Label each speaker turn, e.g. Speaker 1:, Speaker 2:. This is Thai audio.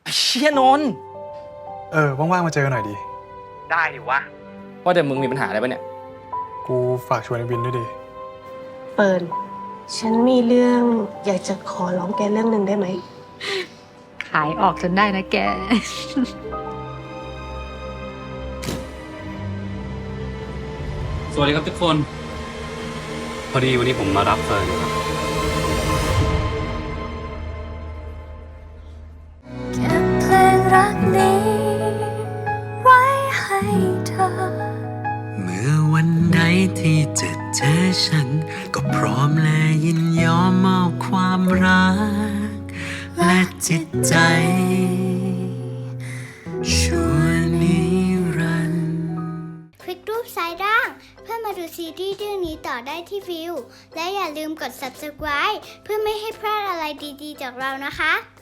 Speaker 1: เชี่ยนนท์
Speaker 2: ว่างๆมาเจอกันหน่อยดิ
Speaker 1: ได้ดิวะว่าแต่มึงมีปัญหาอะไรปะเนี่ย
Speaker 2: กูฝากชวนไอ้วินด้วยดิ
Speaker 3: เปิร์นฉันมีเรื่องอยากจะขอร้องแกเรื่องหนึ่งได้ไหม
Speaker 4: ขายออกจนได้นะแก
Speaker 5: สวัสดีครับทุกคน พอดีวันนี้ผมมารับเฟิร์นครับ
Speaker 6: เก็บเพลงรักนี้ไว้ให้เธอ
Speaker 7: เมื่อวันใดที่จะเจอฉันก็พร้อมและยินยอมมอบความรักและจิตใจชั่วนิรันดร์
Speaker 6: คลิกรูปซ้ายล่างเพื่อมาดูซีรีส์เรื่องนี้ต่อได้ที่วิวและอย่าลืมกด subscribe เพื่อไม่ให้พลาดอะไรดีๆจากเรานะคะ